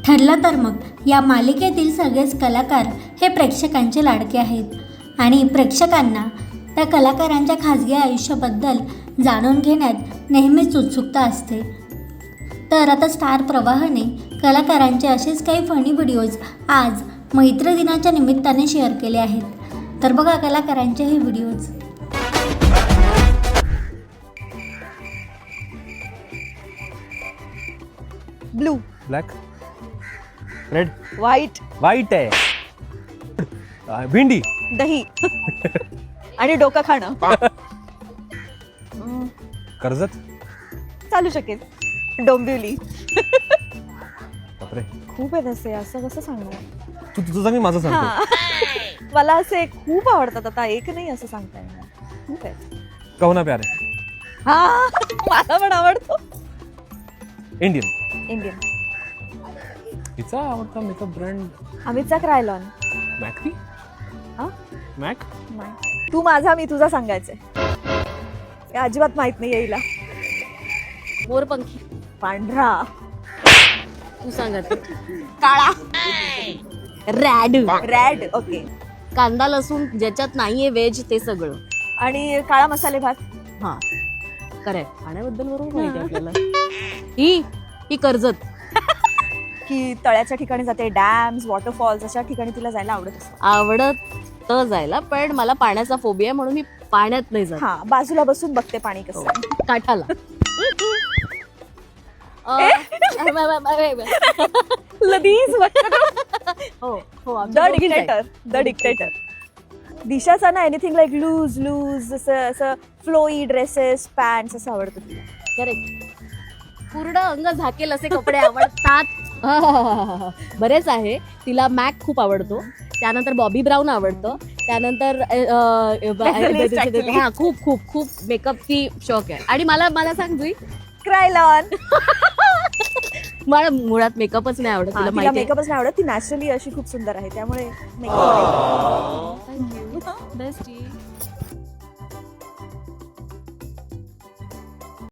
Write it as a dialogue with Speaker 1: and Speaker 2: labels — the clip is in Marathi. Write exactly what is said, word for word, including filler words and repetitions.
Speaker 1: ठरलं तर मग या मालिकेतील सगळेच कलाकार हे प्रेक्षकांचे लाडके आहेत आणि प्रेक्षकांना त्या कलाकारांच्या खाजगी आयुष्याबद्दल जाणून घेण्यात नेहमीच उत्सुकता असते. तर आता स्टार प्रवाहने कलाकारांचे असेच काही फनी व्हिडिओज आज मैत्री दिनाच्या निमित्ताने शेअर केले आहेत. तर बघा कलाकारांचे हे videos.
Speaker 2: Blue,
Speaker 3: black, red,
Speaker 2: white,
Speaker 3: white आहे, अं, भेंडी,
Speaker 2: दही आणि डोकं खाणं.
Speaker 3: कर्जत,
Speaker 2: चालू शकेल. डोंबिवली.
Speaker 3: बापरे,
Speaker 2: खूप आहे तसे, असं कसं सांगणार.
Speaker 3: तू तुझं सांग मी माझं सांगतो.
Speaker 2: हा. मला असे खूप आवडतात, आता एक नाही असं सांगता येणार. खूप आहे.
Speaker 3: कहना प्यारे,
Speaker 2: हा मला पण आवडतो.
Speaker 3: Indian,
Speaker 2: Indian.
Speaker 3: तिचा आवडता मेकअप ब्रँड
Speaker 2: अमितचा क्रायलॉन.
Speaker 3: मॅकती.
Speaker 2: हा
Speaker 3: मॅक.
Speaker 2: नाही. तू माझा मी तुझा सांगायचंय. हे अजिबात माहित नाही येईला.
Speaker 4: मोरपंखी.
Speaker 2: पांढरा.
Speaker 4: तू सांगत. काळा. रॅड.
Speaker 2: रॅड. ओके.
Speaker 4: कांदा लसूण ज्याच्यात नाहीये व्हेज ते सगळं.
Speaker 2: आणि काळा मसाले भात.
Speaker 4: हा करेक्ट. खाण्याबद्दल बरोबर माहिती आपल्याला. ही ही कर्जत.
Speaker 2: की तळ्याच्या ठिकाणी जाते, डॅम्स, वॉटरफॉल्स अशा ठिकाणी तिला जायला आवडत असतं.
Speaker 4: आवडत जायला, पण मला पाण्याचा फोबिया म्हणून मी पाण्यात नाही जात.
Speaker 2: हा बाजूला बसून बघते पाणी कसं आहे.
Speaker 4: काठाला. अं,
Speaker 2: लदीज.
Speaker 4: हो हो
Speaker 2: द डिक्टेटर. The dictator. दिशाचा ना एनिथिंग लाईक लूज लूज असं असं फ्लोई ड्रेसेस पॅन्ट्स असं आवडतं तिला.
Speaker 4: करेक्ट. पूर्ण अंग झाकेल असे कपडे आवडतात. बरेच आहे. तिला मॅक खूप आवडतो, त्यानंतर बॉबी ब्राऊन आवडतं, त्यानंतर हा खूप खूप खूप मेकअपची शौक आहे. आणि मला मला सांग जुई,
Speaker 2: क्रायलॉन.
Speaker 4: मला मुळात मेकअपच नाही आवडत. तुला माहिती
Speaker 2: मेकअपच नाही आवडत. ती नॅचरली अशी खूप सुंदर आहे, त्यामुळे मेकअप.
Speaker 4: बेस्ट.